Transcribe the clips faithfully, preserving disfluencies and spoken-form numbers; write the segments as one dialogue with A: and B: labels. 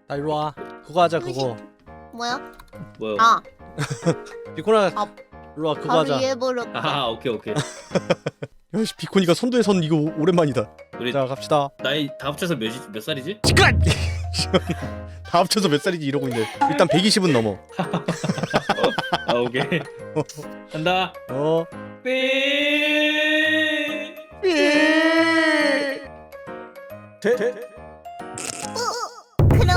A: 나 일로 와. 그거 하자 그거.
B: 뭐야?
C: 뭐요?
B: 아,
A: 비코나
B: 아,
A: 일로 와 그거
B: 바로
A: 하자.
B: 이해해버렸다.
C: 아 오케이 오케이.
A: 야씨 비코니가 선두에 선 이거 오랜만이다.
C: 우리
A: 자 갑시다.
C: 나이 다 합쳐서 몇, 몇 살이지?
A: 시간. 다 합쳐서 몇 살이지 이러고 있네. 일단 백이십은 넘어.
C: 아 오케이. 간다.
A: 어.
C: 삐.
A: 삐. 대.
B: 그럼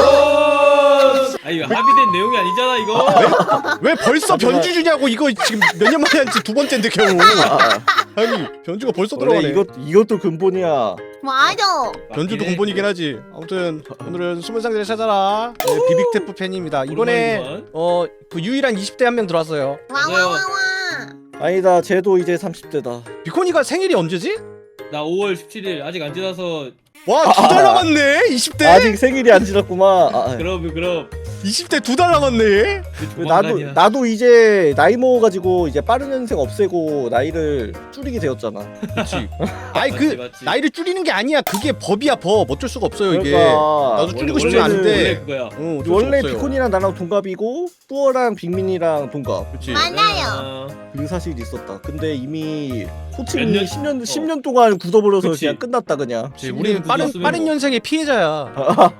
C: 아 이거 합의된 내용이 아니잖아 이거.
A: 왜 벌써 변주 주냐고. 이거 지금 몇 년 만에 한지 두 번째인데 겨우. 아니 변주가 벌써
D: 원래
A: 들어가네.
D: 이것 이것도 근본이야.
B: 맞아.
A: 변주도
C: 맞긴 해.
A: 근본이긴 하지. 아무튼 오늘은 숨은 상자를 찾아라. 네, 비빅테프 팬입니다. 이번에
C: 오랜만이구만.
A: 어 그 유일한 이십 대 한 명 들어왔어요.
B: 와와와와.
D: 아니다, 쟤도 이제 삼십 대다.
A: 비코니가 생일이 언제지?
C: 나 오월 십칠일 아직 안 지나서.
A: 와 두 달 남았네. 이십 대.
D: 아직 생일이 안 지났구만. 아,
C: 그럼 그럼.
A: 이십 대 두 달 남았네.
C: 그
D: 나도
C: 조만간이야.
D: 나도 이제 나이 먹어가지고 이제 빠른 년생 없애고 나이를 줄이게 되었잖아.
A: 그렇지. 아니
C: 맞지,
A: 그
C: 맞지.
A: 나이를 줄이는 게 아니야. 그게 법이야 법. 어쩔 수가 없어요 이게.
D: 그러니까
A: 나도
C: 원래-
A: 줄이고 싶지
C: 원래는-
A: 않은데.
C: 원래 그거야.
A: 어, 어쩔 수
D: 원래
A: 없어요.
D: 비콘이랑 나랑 동갑이고 뚜어랑 빅민이랑 동갑.
A: 그렇지.
B: 맞아요.
D: 그 사실이 있었다. 근데 이미
C: 몇
D: 호칭이
C: 년?
D: 십 년
C: 어.
D: 십 년 동안 굳어버려서
C: 그치.
D: 그냥 끝났다 그냥.
A: 그렇지. 우리는 빠른
C: 굳었으면
A: 빠른
C: 뭐.
A: 년생의 피해자야.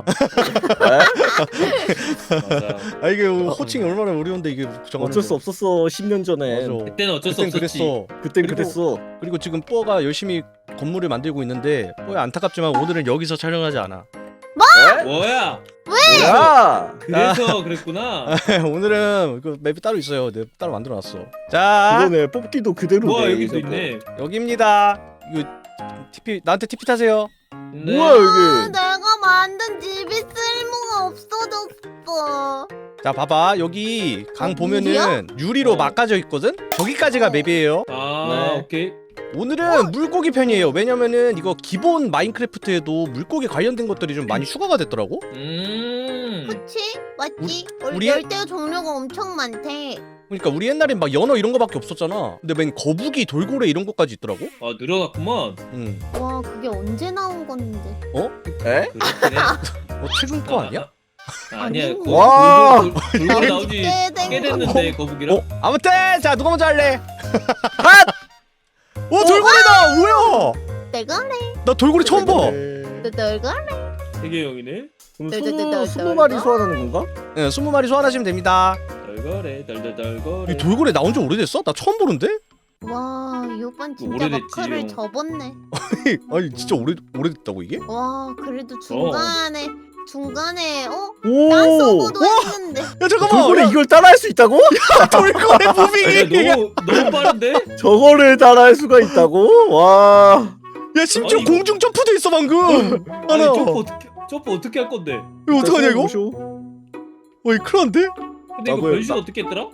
C: 맞아.
A: 아 이게 호칭이 얼마나 어려운데 이게 정하는
D: 어쩔 수
A: 거.
D: 없었어. 십 년 전에.
A: 맞아.
C: 그때는 어쩔 수
A: 그땐
C: 없었지.
A: 그랬어.
D: 그땐
A: 그리고-
D: 그랬어.
A: 그리고 지금 뽀가 열심히 건물을 만들고 있는데 뽀야 안타깝지만 오늘은 여기서 촬영하지 않아.
D: 에?
C: 뭐야?
D: 야!
C: 그래서 그랬구나.
A: 오늘은 그 맵이 따로 있어요. 내 따로 만들어놨어. 자
D: 그러네. 뽑기도 그대로네.
C: 뭐야 여기도
D: 이거.
C: 있네.
A: 여기입니다. 이거 티피 나한테 티피 타세요.
C: 네.
D: 뭐야
B: 아,
D: 여기?
B: 내가 만든 집이 쓸모가 없어졌어.
A: 자 봐봐 여기 강 보면은
B: 유리야?
A: 유리로
C: 어.
A: 막아져 있거든. 저기까지가
B: 어.
A: 맵이에요.
C: 아
D: 네.
C: 오케이.
A: 오늘은 물고기 편이에요. 왜냐면은 이거 기본 마인크래프트에도 물고기 관련된 것들이 좀 많이 추가가 됐더라고.
C: 음.
B: 그치? 맞지?
A: 우리-
B: 우리 열대 종류가 엄청 많대.
A: 그러니까 우리 옛날엔 막 연어 이런 거밖에 없었잖아. 근데 맨 거북이, 돌고래 이런 것까지 있더라고.
C: 아 늘어났구만.
A: 응.
B: 와, 그게 언제 나온 건데?
D: 에?
C: 그렇긴 해.
A: 뭐 최근 거 아니야?
C: 아, 아니야.
B: 아니,
C: 거-
D: 와.
C: 돌- 돌- 돌고래 나오지
B: 꽤 된
C: 꽤
B: 거.
C: 됐는데 거북이랑.
A: 어? 아무튼 자 누가 먼저 할래? 핫! 오 돌고래다! 뭐야?
B: 내가 할래.
A: 나 돌고래 처음 봐.
D: 네.
B: 내가 할래.
C: 세계 형이네.
D: 그럼
B: 네, 네, 네,
D: 스무
B: 네,
D: 스무
B: 네,
D: 마리
B: 네.
D: 소환하는 건가?
A: 네, 스무 마리 소환하시면 됩니다.
C: 덜거래 덜덜덜거래.
A: 이 돌고래 나온 지 오래됐어? 나 처음 보는데?
B: 와, 이 오빠는 진짜
C: 오래됐지,
B: 마크를
C: 형.
B: 접었네.
A: 아니 진짜 오래 오래됐다고 이게?
B: 와, 그래도 중간에 중간에 어?
D: 오!
B: 난 서버도 했는데.
A: 야 잠깐만.
D: 돌고래
A: 야,
D: 이걸 따라할 수 있다고?
A: 돌고래
C: 야,
A: 무빙이.
C: 너무 너무 빠른데?
D: 저거를 따라할 수가 있다고? 와.
A: 야 심지어
C: 아니, 이거-
A: 공중 점프도 있어 방금.
C: 아니
A: 하나.
C: 점프 어떻게 점프 어떻게 할 건데?
A: 이거 어떡하냐 이거?
D: 보쇼.
A: 어이 큰일난데?
C: 근데 이거
D: 나도요,
C: 변신
D: 나-
C: 어떻게 했더라?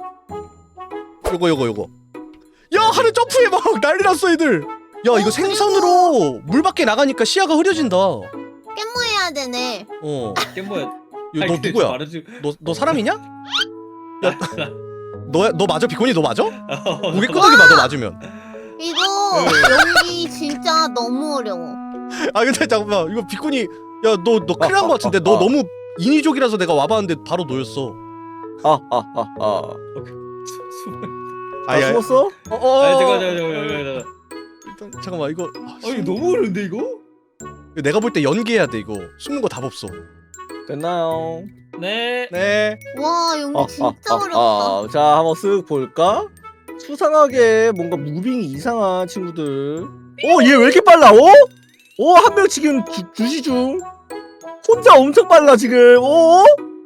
A: 요거 요거 요거. 야 하늘 점프해 막 난리 났어 애들. 야 이거
B: 어,
A: 생선으로 물 밖에 나가니까 시야가 흐려진다. 어.
B: 깻모해야 되네.
C: 깻모야.
A: 야, 너 누구야? 너 너 사람이냐? 너 너 맞아 비콘이 너 맞아? 고개 끄덕이 봐 너 맞으면.
B: 이거
C: 네.
B: 연기 진짜 너무 어려워.
A: 아 근데 잠깐만 이거 비콘이 야 너 너 큰일 난 거 같은데 너
D: 아.
A: 너무 인위적이라서 내가 와봤는데 바로 놓였어.
D: 아, 아, 아, 아. 다
A: 아야.
D: 숨었어?
A: 어, 어.
C: 아 잠깐 잠깐 잠깐 잠깐.
A: 일단 잠깐만 이거 아,
C: 아 이거 너무 어려운데 이거?
A: 이거 내가 볼 때 연기해야 돼 이거. 숨는 거 답 없어.
D: 됐나요?
C: 네.
A: 네.
B: 와, 연기
D: 아,
B: 진짜
D: 아, 아,
B: 어렵다.
D: 아. 자, 한번 쓱 볼까? 수상하게 뭔가 무빙이 이상한 친구들. 어, 얘 왜 이렇게 빨라? 어? 어, 한 명 지금 주, 주시 중. 혼자 엄청 빨라 지금. 어?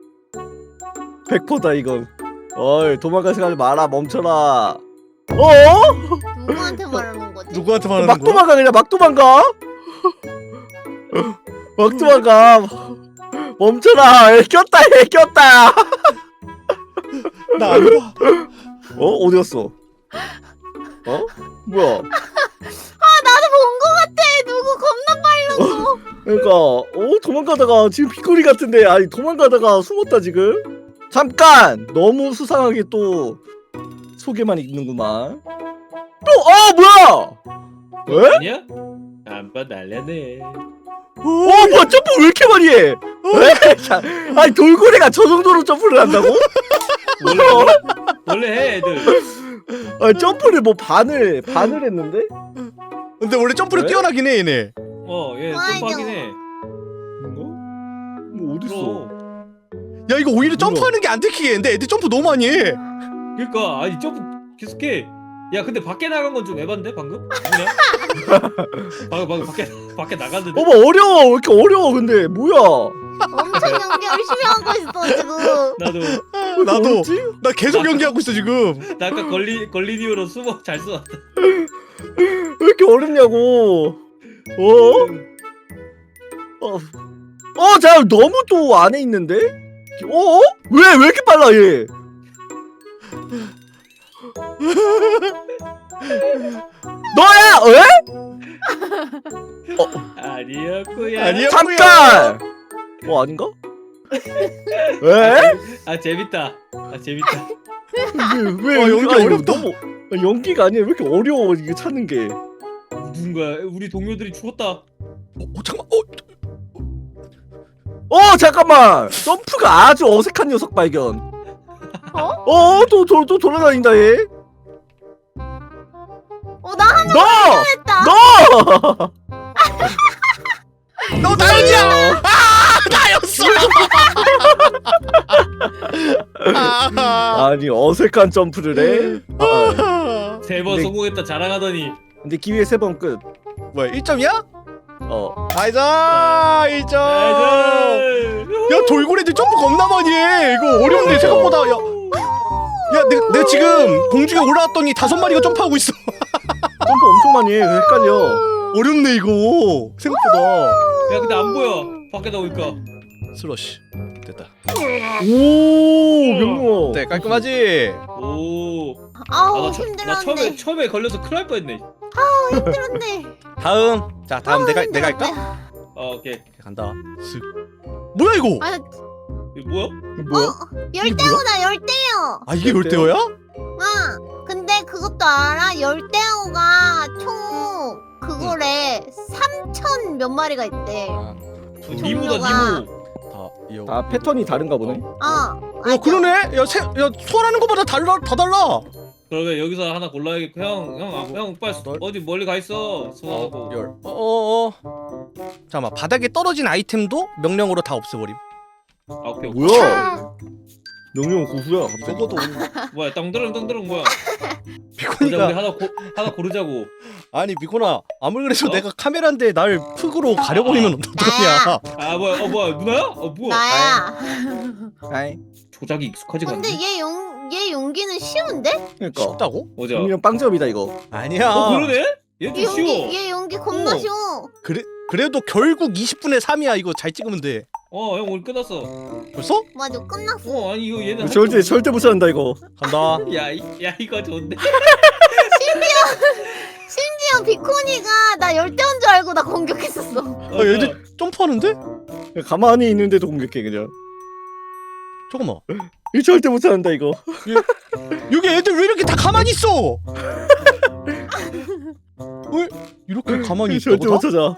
D: 백 퍼센트다 이건. 어이, 도망갈 생각하지 마라. 멈춰라. 어?
B: 누구한테 말하는 거지?
A: 누구한테 말하는
D: 막
A: 거야?
D: 도망가 그냥 막 도망가. 막 도망가. 멈춰라. 얘 꼈다. 얘 꼈다.
A: 나안 봐.
D: 어? 어디 갔어? 어? 뭐야?
B: 나도 본 거 같아. 누구 겁나 빨랐어.
D: 그러니까 어 도망가다가 지금 빗꼬리 같은데 아니 도망가다가 숨었다 지금. 잠깐 너무 수상하게 또 소개만 읽는구만. 또 아 뭐야? 왜?
C: 아니야? 안봐 날려네.
D: 어 뭐야 점프 왜 이렇게 많이 해?
A: 어
D: 왜? 자, 아니 돌고래가 저 정도로 점프를 한다고?
C: 원래 원래 해 애들.
D: 아, 점프를 뭐 반을 반을 했는데?
A: 근데 원래 점프를
D: 왜?
A: 뛰어나긴 해 얘네.
C: 어얘
B: 맞아.
C: 점프하긴 해.
D: 뭐 어딨어?
C: 그럼.
A: 야 이거 오히려
D: 뭐야?
A: 점프하는 게 안 들키게 했는데 애들 점프 너무 많이 해.
C: 그러니까 아니 점프 계속해. 야 근데 밖에 나간 건 좀 에반데 방금? 누구냐? 방금 방금 밖에 밖에 나갔는데.
D: 어머 어려워 왜 이렇게 어려워 근데 뭐야?
B: 엄청 연기 열심히 하고 있어 지금.
C: 나도
D: 왜
A: 나도.
D: 어렵지?
A: 나 계속 연기하고 있어 지금.
C: 나 아까 걸리 걸린 이후로 숨어 잘 쏘았다.
D: 왜 이렇게 어렵냐고? 어? 어, 어, 자 너무 또 안에 있는데? 어? 왜 왜 이렇게 빨라 얘? 너야? 왜?
C: 아니었구야.
A: 아니야.
D: 잠깐. 어 아닌가? 왜?
C: 아 재밌다. 아 재밌다.
D: 왜, 왜
A: 어, 연기
D: 아니,
A: 어렵다.
D: 너무 아, 연기가 아니야. 왜 이렇게 어려워 이게 찾는 게?
C: 누군가 우리 동료들이 죽었다.
A: 어, 어 잠깐만. 어
D: 어 잠깐만. 점프가 아주 어색한 녀석 발견.
B: 어?
D: 어? 또 또 또 돌아다닌다 얘.
B: 어나 하나
D: 너!
B: 했다.
D: 너!
A: 너 나연이야. 아 나였어. 아,
D: 아니 어색한 점프를 해? 아,
C: 세 번
D: 근데-
C: 성공했다 자랑하더니.
D: 근데 기회 세 번 끝.
A: 뭐야 일 점이야?
D: 어.
A: 나이스 일 점. 야 돌고래들 점프 겁나 많이 해. 이거 어려운데 생각보다. 야, 야 내가, 내가 지금 공중에 올라왔더니 다섯 마리가 점프하고 있어.
D: 점프 엄청 많이 해. 그래서 헷갈려.
A: 어렵네 이거 생각보다.
C: 야 근데 안 보여. 밖에 나오니까.
A: 슬러시 됐다.
D: 오, 명령어.
A: 네 깔끔하지.
C: 오.
B: 아우
C: 아, 나, 처, 나
B: 힘들었네.
C: 처음에 처음에 걸려서 큰일 날 뻔했네.
B: 힘들었네.
A: 다음. 자 다음
B: 아우,
A: 내가 내가
B: 힘들었네.
A: 할까?
C: 어 오케이.
A: 간다. 슥. 뭐야 이거?
B: 아,
C: 이거 뭐야?
D: 뭐야?
B: 열대어다 열대어.
A: 아 이게 열대어야?
B: 응. 근데 그것도 알아? 열대어가 총 그거래 삼천 몇 마리가 있대.
A: 아,
C: 어, 니모다
B: 종류가-
C: 니모.
A: 다 이어.
D: 아 패턴이 다른가 보네.
B: 어.
A: 어 그러네. 야새 야 소환하는 거마다 달라 다 달라.
C: 그러면 여기서 하나 골라야겠고 형형형 빨리 수- 어디 멀리 가 있어. 소환하고.
A: 열. 어어 어. 잠깐만 바닥에 떨어진 아이템도 명령으로 다 없애버림.
C: 아 오케이. 오케이.
D: 뭐야? 명령 고수야. 갑자기.
A: 적어도
C: 뭐야 땅드릉 땅드릉 뭐야? 보자 우리
A: 비코니가
C: 하나 고 하나 고르자고.
A: 아니 비코나 아무리 그래도
C: 어?
A: 내가 카메라인데 날 흙으로 가려버리면 어떡하냐.
C: 아 뭐야 어 뭐야 누나야? 어 뭐야?
B: 나야.
D: 아이.
C: 조작이 익숙하지가
B: 근데
C: 않네.
B: 얘 용, 얘 용기는 쉬운데?
D: 그러니까.
A: 쉽다고?
C: 뭐죠?
D: 명령 빵점이다 이거.
A: 아니야.
C: 어 그러네? 얘
B: 얘
C: 좀
B: 용기,
C: 쉬워.
B: 얘 용기 겁나
C: 어.
B: 쉬워.
A: 그래 그래도 결국 이십 분에 삼이야. 이거 잘 찍으면 돼.
C: 어 형 오늘 끝났어.
A: 벌써?
B: 맞아, 끝났어.
C: 어 아니 이거 얘는 할
D: 절대
C: 줄-
D: 절대 못 찾는다 이거.
A: 간다.
C: 야, 이- 야 이거 좋은데.
B: 심지어 비코니가 나 열대어인 줄 알고 나 공격했었어.
A: 어, 얘들 점프하는데?
D: 가만히 있는데도 공격해 그냥.
A: 잠깐만.
D: 이 절대 못 찾는다 이거.
A: 여기 애들 왜 이렇게 다 가만히 있어? 왜 이렇게 가만히
D: 이 절대
A: 있다고
D: 못
A: 다?
D: 찾아.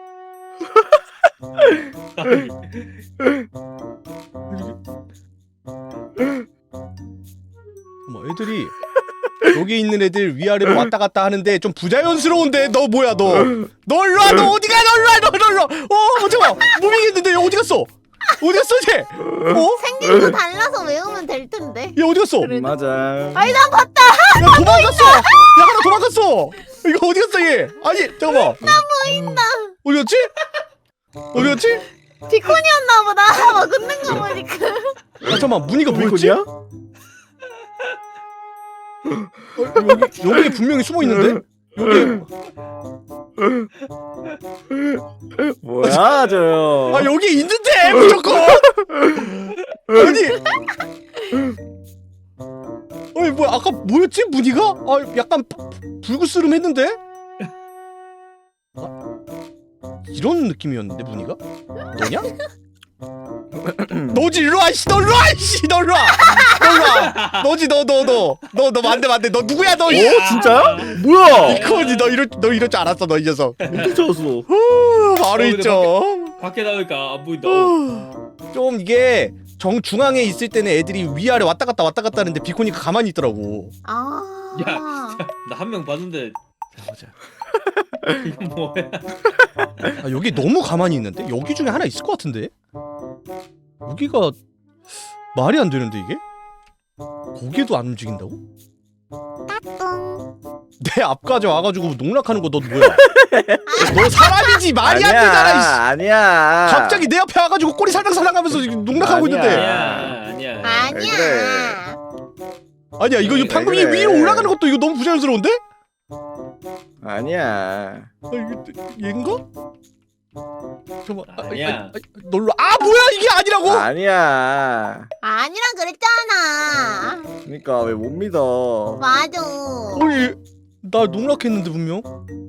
A: 뭐 애들이 여기 있는 애들 위아래로 왔다 갔다 하는데 좀 부자연스러운데. 너 뭐야 너? 너 일로 와. 너 어디가? 너 일로 와. 너 일로 와. 어 잠깐만. 무빙했는데 얘 어디 갔어? 어디 갔어 쟤? 어?
B: 생긴 거 달라서 외우면 될 텐데.
A: 얘 어디 갔어?
B: 그래.
D: 맞아.
B: 아니 난 봤다.
A: 야 도망갔어. 야 하나 도망갔어. 이거 어디 갔어 얘? 아니 잠깐만.
B: 나 보인다.
A: 어디 갔지? 어디 갔지?
B: 비코니였나 보다. 막 웃는 거 보니까.
A: 아, 잠깐만 무늬가 뭐였지?
D: 비코니야?
A: 여기 여기 분명히 숨어 있는데? 여기
D: 뭐야 저?
A: 아 여기 있는데 무조건. 아니 아니 뭐야 아까 뭐였지 무늬가? 아 약간 부- 불그스름했는데? 아, 이런 느낌이었는데 무늬가? 너냐? 너지 일로 와 씨 너 일로 와 씨 너 일로 와 너 일로 와 너지 너 너 너 너 너 만대 만대 너 누구야 너?
D: 오 진짜야? 뭐야?
A: 이코니 너 이럴 너 이럴 줄 알았어 너 이 녀석.
D: 어떻게 찾았어?
A: 후, 바로
C: 어, 근데
A: 있죠.
C: 밖에 나오니까 안 보인다.
A: 좀 이게 정 중앙에 있을 때는 애들이 위아래 왔다 갔다 왔다 갔다 하는데 비코니가 가만히 있더라고.
B: 아.
C: 야, 나 한 명 봤는데
A: 자, 보자.
C: 이거 뭐야?
A: 아, 여기 너무 가만히 있는데? 여기 중에 하나 있을 것 같은데? 여기가 말이 안 되는데 이게? 고개도 안 움직인다고? 내 앞까지 와가지고 농락하는 거 너 뭐야? 너 사람이지 말이 안 되잖아. 이씨.
D: 아니야.
A: 갑자기 내 앞에 와가지고 꼬리 살랑살랑하면서 농락하고
D: 아니야.
A: 있는데.
C: 아니야, 아니야.
B: 아니야.
D: 그래.
A: 아니야 이거, 이거
C: 왜
A: 방금
D: 그래?
A: 이 위로 올라가는 것도 이거 너무 부자연스러운데?
D: 아니야.
A: 아 이거 얘인가? 잠깐만. 아,
C: 아니야.
A: 아, 아, 놀러. 아 뭐야 이게 아니라고?
D: 아니야.
B: 아니라 그랬잖아.
D: 그러니까 왜 못 믿어?
B: 맞아.
A: 아니 나 농락했는데 분명.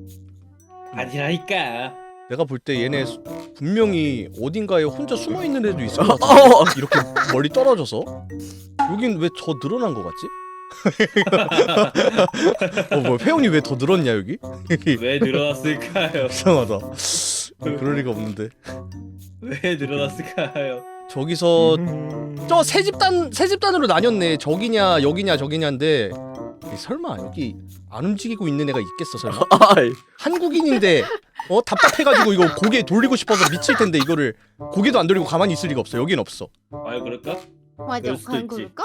C: 아니라니까.
A: 내가 볼 때 얘네 수- 분명히 어딘가에 혼자 숨어 있는 애도 있을 것 같아.
D: 어.
A: 이렇게 멀리 떨어져서. 여긴 왜 더 늘어난 것 같지? 어, 뭐 회원이 왜 더 늘었냐 여기?
C: 왜 늘어났을까요?
A: 이상하다. 그럴 리가 없는데.
C: 왜 늘어났을까요?
A: 저기서
D: 음.
A: 저 세 집단 세 집단으로 나뉘었네. 저기냐 여기냐 저기냐인데 이 설마 여기 안 움직이고 있는 애가 있겠어 설마?
D: 아이.
A: 한국인인데 어 답답해가지고 이거 고개 돌리고 싶어서 미칠 텐데 이거를 고개도 안 돌리고 가만히 있을 리가 없어. 여긴 없어.
C: 아유 그럴까?
B: 맞아.
C: 그럴 수도
B: 그럼
C: 있지.
B: 그럴까?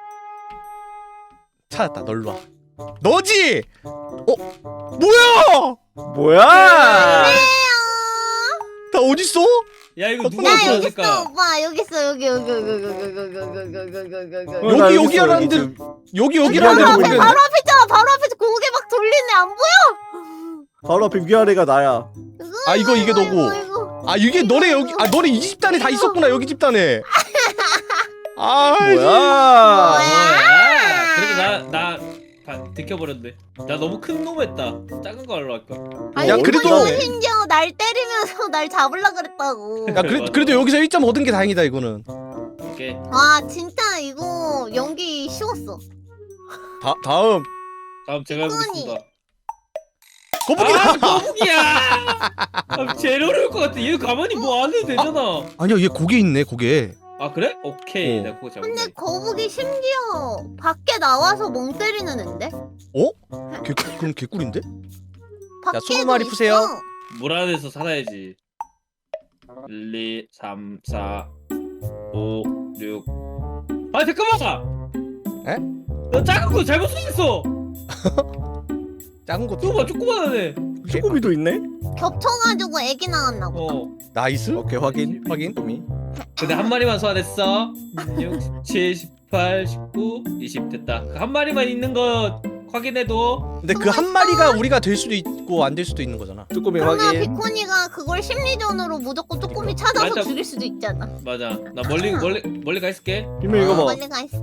A: 찾았다. 널로 와. 너지? 어 뭐야?
D: 뭐야?
A: 나 어딨어?
C: 야 이거 누가
B: 야 여기 있어
C: 들어왔을까?
B: 오빠 여기 있어 여기 여기 여기 여기 여기 여기 여기 여기 여기 여기 여기
D: 어,
B: 여기
D: 나
A: 여기,
D: 있어,
A: 여기 하라는데
D: 지금.
A: 여기
B: 바로
A: 여기라는 데가
B: 앞에
A: 모르겠네.
B: 바로 앞에 있잖아. 바로 앞에서 고개 막 돌리네. 안 보여?
D: 바로 앞에 위아래가 나야.
A: 아 이거 이게
B: 이거,
A: 너고.
B: 이거.
A: 아 이게 너네 여기 아 너네 이 집단에 다 있었구나 여기 집단에. 아
D: 뭐야?
C: 뭐야? 그래도 나나 들켜버렸네. 나 너무 큰 놈 했다. 작은 거 하려 할 걸.
B: 아니
A: 야,
B: 이거
A: 그래도-
B: 이거 심지어 날 때리면서 날 잡으려 그랬다고.
A: 야 그래, 그래도 여기서 일 점 얻은 게 다행이다 이거는.
C: 오케이.
B: 와 진짜 이거 연기 쉬웠어.
A: 다 다음
C: 다음 제가 해보겠습니다.
A: 거북이다.
C: 아 거북이야. 아, 제일 어려울 것 같아. 얘 가만히 뭐 안 해도 되잖아.
A: 아니야 얘 고개 있네 고개.
C: 아 그래? 오케이.
A: 어.
C: 내가 그거 잡았네.
B: 근데 거북이 심지어 밖에 나와서 멍 때리는 앤데?
A: 개 그럼 개꿀인데?
B: 밖에도
A: 스무 마리
B: 있어.
A: 푸세요.
C: 물 안에서 살아야지. 일, 이, 삼, 사, 오, 육. 아 잠깐만.
A: 에?
C: 나 작은 거 잘못 생겼어.
A: 작은 거
C: 조그만 조그만하네.
D: 쭈꾸미도 있네.
B: 겹쳐가지고 애기 나왔나 보다.
C: 어.
A: 나이스.
D: 오케이 확인.
A: 확인.
D: 쭈꾸미.
C: 근데 한 마리만 소환했어. 육, 칠, 십팔, 십구, 이십 됐다. 한 마리만 있는 거 확인해도.
A: 근데 그 한 마리가 우리가 될 수도 있고 안 될 수도 있는 거잖아.
D: 쭈꾸미
B: 그러나
D: 확인.
B: 비코니가 그걸 심리전으로 무조건 쪼꼬미 찾아서
C: 맞아.
B: 죽일 수도 있잖아.
C: 맞아. 나 멀리 멀리 멀리 가 있을게.
D: 이모 이거 봐.
B: 멀리 가 있어.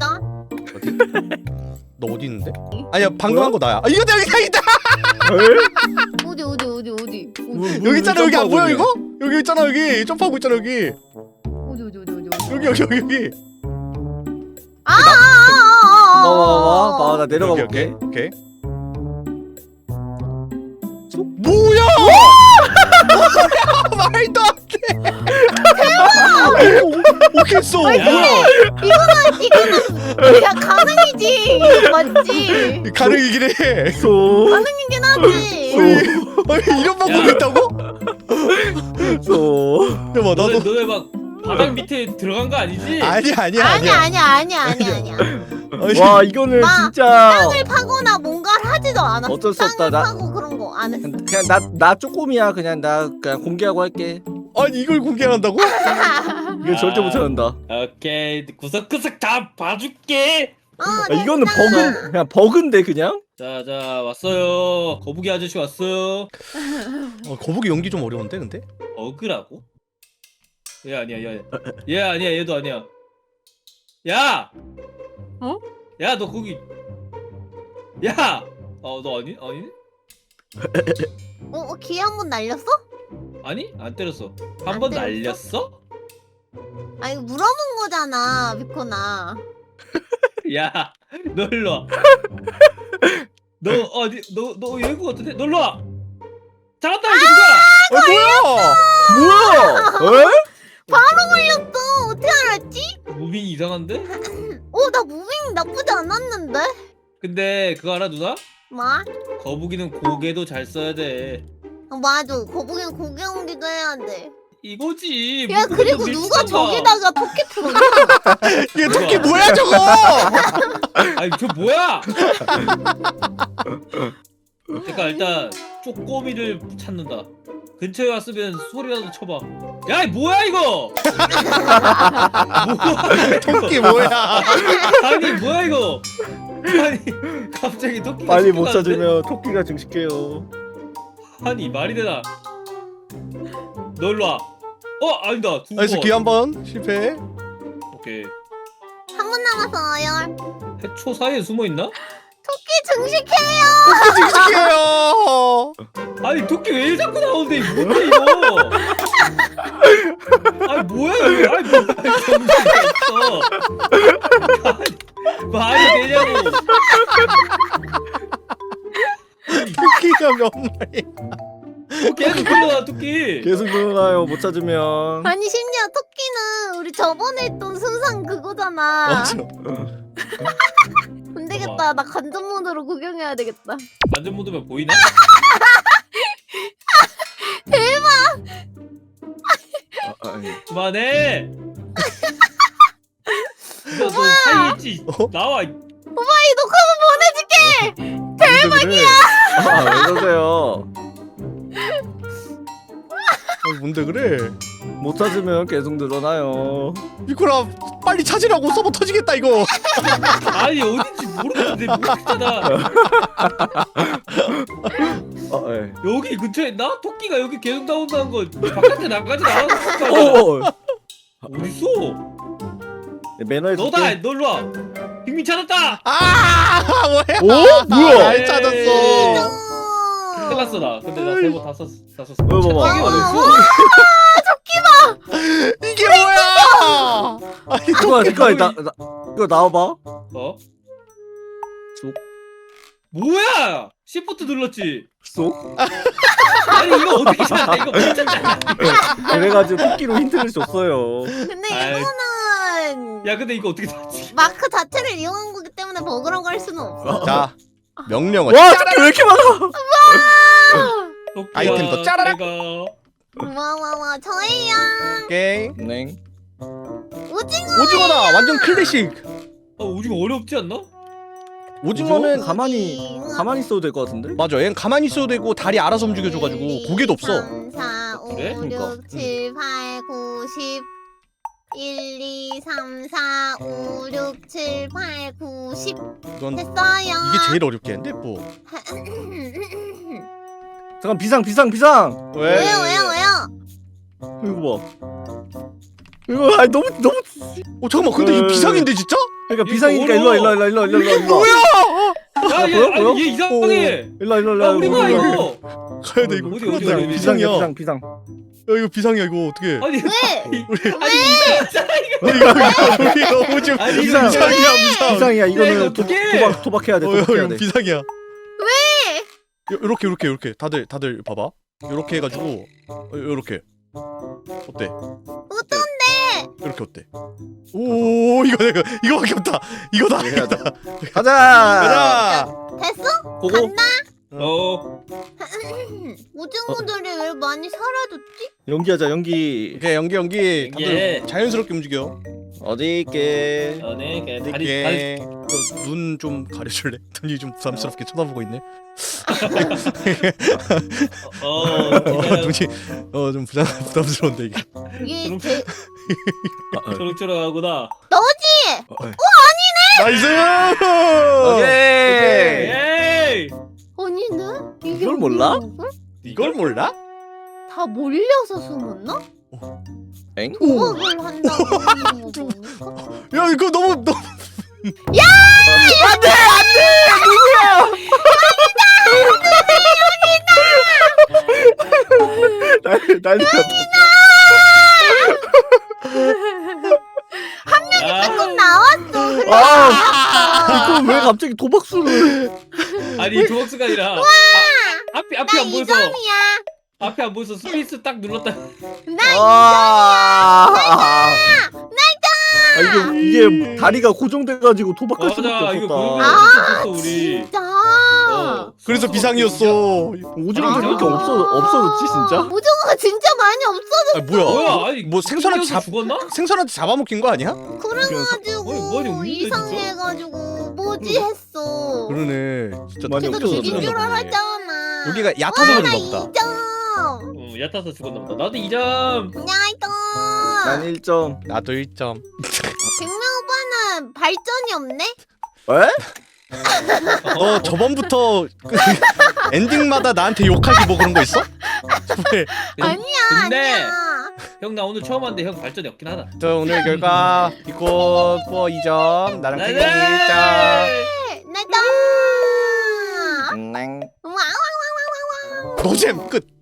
A: 너 어디 있는데? 아니야 방금
D: 뭐야?
A: 한 거 나야. 아 이거다 여기다 여기다.
D: 에?
B: 어디 어디 어디 어디
D: 뭐,
B: 어디
D: 뭐,
A: 여기 있잖아 여기 안 보여
D: 점프하고
A: 이거? 여기 있잖아 여기 점프하고 있잖아 여기.
B: 어디 어디 어디 어디 어디.
A: 여기 여기 여기 여기.
B: 아아아아아.
D: 봐봐 봐봐. 나 내려가
A: 오케이,
D: 볼게.
A: 오케이. 오케이. 뭐야? 뭐야? 말도 안 돼. 대박. 오겠어.
C: 야,
B: 이거는 이거는 야 가능이지. 이거 맞지.
A: 가능이긴 해.
D: 소.
B: 가능이긴 하지.
A: 아니 이런 방법이
C: 야.
A: 있다고?
D: 소.
A: 잠깐만
C: 너네
A: 나도.
C: 너네 막 바닥 밑에 들어간 거 아니지?
A: 아니야 아니야
B: 아니야
A: 아니야.
B: 아니야 아니야 아니야 아니야.
A: 아니,
D: 와 이거는
B: 마,
D: 진짜
B: 땅을 파거나 뭔가를 하지도 않았어.
D: 어쩔 수 없다,
B: 땅을
D: 나-
B: 파고 그런 거 안 했어.
D: 그냥 나 나 쪼꼬미야. 그냥 나 그냥 공개하고 할게.
A: 아니 이걸 공개한다고?
D: 이거 절대
C: 아.
D: 못한다.
C: 오케이 구석구석 다 봐줄게.
B: 어,
D: 아, 이거는
B: 됐다.
D: 버그 그냥 버그인데 그냥.
C: 자자 왔어요. 거북이 아저씨 왔어요.
A: 어, 거북이 연기 좀 어려운데 근데?
C: 어그라고? 얘 아니야 얘. 얘 아니야 얘도 아니야. 야.
B: 어?
C: 야 너 거기. 야. 어 너 아니 아니?
B: 어, 어 귀 한 번 날렸어?
C: 아니 안 때렸어. 한
B: 안
C: 번
B: 때렸어?
C: 날렸어?
B: 아 이거 물어본 거잖아, 비코나.
C: 야, 너 일로 와. 너 어디 너너 여기 같은데? 너 일로 와. 잡았다 이거 누가?
A: 아
D: 뭐야? 에?
B: 바로 걸렸어. 어떻게 알았지?
C: 무빙이 이상한데?
B: 어, 나 무빙 나쁘지 않았는데.
C: 근데 그거 알아 누나?
B: 뭐?
C: 거북이는 고개도 잘 써야 돼.
B: 어, 맞아. 거북이는 고개 옮기도 해야 돼.
C: 이거지.
B: 야,
C: 무슨
B: 그리고
C: 밀
B: 누가
C: 치던가.
B: 저기다가 토끼 풀었냐?
A: 얘 토끼 뭐야 저거?
C: 아니 저 뭐야? 잠깐 일단 쪼꼬미를 찾는다. 근처에 왔으면 소리라도 쳐봐. 야, 이 뭐야 이거? 뭐야 이거?
A: 토끼 뭐야?
C: 아니 뭐야 이거? 아니 갑자기 토끼가
D: 빨리 못
C: 죽어가는데?
D: 찾으면 토끼가 증식해요.
C: 아니 말이 되나? 너 일로 와. 어 아니다. 두
A: 나이스
C: 번.
A: 기회 한번 실패.
C: 오케이.
B: 한 분 남았어, 어열.
C: 해초 사이에 숨어 있나?
B: 토끼 증식해요.
A: 증식해요.
C: 아니 토끼 왜 자꾸 나오는데 이거 뭔데 이거? 아니 뭐야 이거? 아니 뭐야 정신이 없어. 아니, 말이 되냐고.
A: 토끼가 몇 마리?
C: 어, 계속 불러놔 토끼.
D: 계속 늘어나요. 못 찾으면.
B: 아니, 심지어 토끼는 우리 저번에 했던 순상 그거잖아.
A: 맞아.
B: 안 되겠다. 나 간접 모드로 구경해야 되겠다.
C: 완전 모드면 보이나?
D: 아, 아니.
C: 그만해. 너, 너 사이에 있지?
A: 어?
C: 나와.
B: 오마이 녹화본 보내줄게.
D: 대박이야. 아, 왜 그러세요?
A: 어, 뭔데 그래?
D: 못 찾으면 계속 늘어나요.
A: 이코라 빨리 찾으라고 서버 터지겠다 이거.
C: 아니 어딘지 모르겠는데 모르겠잖아.
D: 아, 예.
C: 여기 근처에 있나? 토끼가 여기 계속 나온다는 거 바깥에 나가지 나왔을 거 아니야.
D: 오,
C: 어딨어?
D: 매너에
C: 너다. 너 일로 와. 빅민 찾았다.
A: 아 뭐야?
D: 오, 뭐야?
A: 잘 찾았어.
C: 큰일 났어 나. 근데 나 세번 다 썼어. 다 썼어.
D: 왜 봐봐.
C: 찾기 안 했어.
A: 이게 뭐야? 아니
D: 이거
A: 토끼
D: 이거 나, 나 이거 나와봐.
C: 어?
D: 쏙.
C: 뭐야? 시프트 눌렀지.
D: 쏙.
C: 아니 이거 어떻게 찾아? 이거 못 찾잖아.
D: 그래가지고 토끼로 힌트를 줬어요.
B: 근데
C: 아이.
B: 이거는
C: 야 근데 이거 어떻게 찾지?
B: 마크 자체를 이용한 거기 때문에 버그라고 할 수는 없어.
A: 자 명령어.
D: 와, 토끼 왜 이렇게 많아?
C: 토끼야,
A: 아이템 더 짜라락.
C: 내가
B: 와와와 저예요.
A: 오케이.
D: 네.
B: 오징어.
A: 오징어다. 완전 클래식.
C: 아 오징어 어렵지 않나?
A: 오징어는
D: 가만히 가만히 있어도 될 것 같은데?
A: 맞아. 얘는 가만히 있어도 되고 다리 알아서 움직여줘가지고 고개도 없어.
B: 삼, 사, 오,
C: 그래?
D: 그러니까.
B: 육, 칠, 팔, 구, 십 일, 이, 삼, 사, 오, 육, 칠, 팔, 구, 십
A: 이건
B: 됐어요.
A: 이게 제일 어렵겠는데 뭐.
D: 잠깐 비상 비상 비상.
A: 왜?
B: 왜요 왜요 왜요?
D: 이거 봐. 이거 아니 너무 너무
A: 어 잠깐만. 근데 이거
D: 에.
A: 비상인데 진짜?
D: 그러니까
C: 이거
D: 비상이니까 일로 와 일로 와 일로 와 일로 와 일로 와 일로 와.
A: 뭐야?
C: 야, 얘,
D: 보여? 보여?
C: 아니, 얘 이상해.
D: 일로 와 일로 와 일로
C: 야,
D: 와.
C: 우리 봐
D: 일로 와.
C: 이거.
A: 가야 돼 이거.
C: 어디,
A: 큰일
C: 어디,
A: 났다.
C: 어디,
A: 이거
C: 어디?
A: 비상이야.
D: 비상 비상.
A: 야 이거 비상이야 이거 어떻게?
C: 아니,
B: 왜?
A: 우리
C: 아니 이상하잖아 이거.
A: 이거 우리 너무 좀
C: 아니,
A: 비상
C: 이거
A: 비상이야 비상.
D: 비상이야
C: 이거
D: 이거는 도,
C: 어떡해?
D: 도박 도박해야 돼
A: 어,
D: 도박해야
A: 이거
D: 돼.
A: 비상이야.
B: 왜?
A: 요- 요렇게 요렇게 요렇게 다들 다들 봐봐. 요렇게 해가지고 어, 요렇게 어때?
B: 어떤데?
A: 이렇게 어때? 오 이거 이거 이거밖에 없다. 이거다.
D: 해야 돼.
A: 이거다.
D: 가자.
A: 가자.
B: 됐어?
D: 고고.
B: 간다?
C: 어.
B: 오징어들이 왜 많이 사라졌지?
D: 연기하자 연기.
A: 오케이 연기 연기. 다들
C: 예.
A: 자연스럽게 움직여.
D: 어디 있게.
C: 너네 걔 다리 다리.
A: 이렇게 눈 좀 가려줄래? 눈이 좀 부담스럽게 쳐다보고 있네.
C: 어.
A: 어,
C: 기다려.
A: 눈이 어 좀 부담 부담스러운데 이게.
B: 이게
C: 그럼-
B: 제
D: 아, 아.
C: 초록초록하구나.
B: 너지?
D: 어, 어.
A: 나이스.
D: 오케이.
C: 에이.
B: 아니네? 이게
D: 이걸 몰라?
B: 뭐야?
A: 이걸 몰라?
B: 다 몰려서 숨었나?
D: 엥?
B: 도박을 한다고 하는 거 보니까?
A: 야 이거 너무 너무
D: 난리 난리 났다.
C: 아,
B: 조금 나왔어. 근데
D: 아,
B: 나왔어.
D: 이거 왜 갑자기 도박수를?
C: 아니 조박수가 아니라 아, 앞이 앞이 안
B: 나
C: 보여서
B: 이 점이야.
C: 앞이 안 보여서 스페이스 딱 눌렀다.
B: 나
D: 아, 아, 이게 이게 다리가 고정돼가지고 도박할
C: 맞아,
D: 수밖에
C: 이거
D: 없었다.
C: 고정돼가지고 없었어, 우리.
B: 진짜.
C: 어,
A: 그래서
C: 수수가
A: 비상이었어.
C: 진짜-
D: 오징어 왜 이렇게
C: 아.
D: 없어 없어졌지 진짜?
B: 오징어가 진짜 많이 없어졌어.
A: 아 뭐야?
C: 뭐야? 아니
A: 뭐 생선한테
C: 튕겨서
A: 잡
C: 죽었나?
A: 생선한테 잡아먹힌 거 아니야?
B: 그래가지고
C: 어이, 머리 없는데,
B: 이상해가지고 뭐지 했어.
A: 그러네. 진짜
D: 많이
B: 걔도
A: 튕겨서
B: 죽인 줄
A: 죽었나 보네.
B: 알았잖아.
A: 여기가 얕아서
B: 나
A: 그런가
B: 이
A: 보다.
B: 점.
C: 어, 얕아서 죽었나 보다. 나도 이 점.
B: 야이거.
D: 난 일 점.
A: 나도 일 점.
B: 백명 오빠는 발전이 없네?
D: 에?
A: 너 저번부터 그 엔딩마다 나한테 욕하기 뭐 그런 거 있어? 왜?
B: 아니야
C: 근데
B: 아니야.
C: 형 나 오늘 처음 왔는데 형 발전이 없긴 하다.
A: 저 오늘 결과 이거 뭐 이 점, 나랑 태경이 일 점.
B: 나다.
D: 음.
B: 와와와와와와.
A: 노잼 끝.